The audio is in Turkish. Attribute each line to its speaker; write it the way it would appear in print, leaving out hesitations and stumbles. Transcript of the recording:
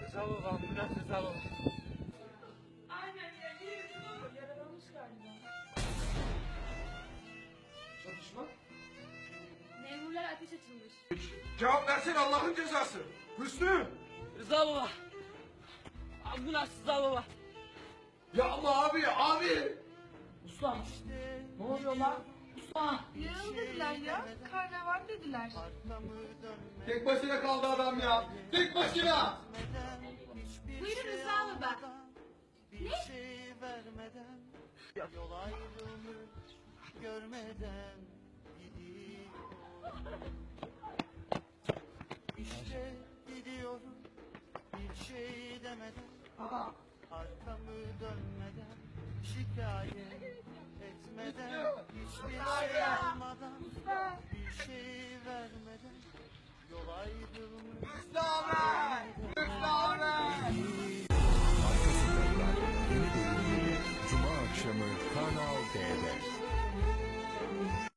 Speaker 1: Rıza baba, ambulans Rıza baba.
Speaker 2: Aynen ya, yaralanmış galiba.
Speaker 3: Çatışma.
Speaker 2: Memurlar ateş açılmış.
Speaker 3: Cevap versene Allah'ın cezası. Hüsnü.
Speaker 1: Rıza baba. Ambulans Rıza baba.
Speaker 3: Ya ama abi.
Speaker 4: Usta, ne oluyor lan? Usta!
Speaker 2: Yaralı dediler ya, karnaval dediler.
Speaker 3: Tek başına kaldı adam ya. Tek başına.
Speaker 2: Buyurun Rıza baba.
Speaker 5: Bir şey vermeden, yol ayrılmış görmeden gidiyor. İşte gidiyorum bir şey demeden, arkamı dönmeden, şikayet etmeden, hiçbir şey almadan, bir şey vermeden, yol ayrılmış
Speaker 6: Arka Sokaklar yeni bölümüyle Cuma akşamı Kanal D'de.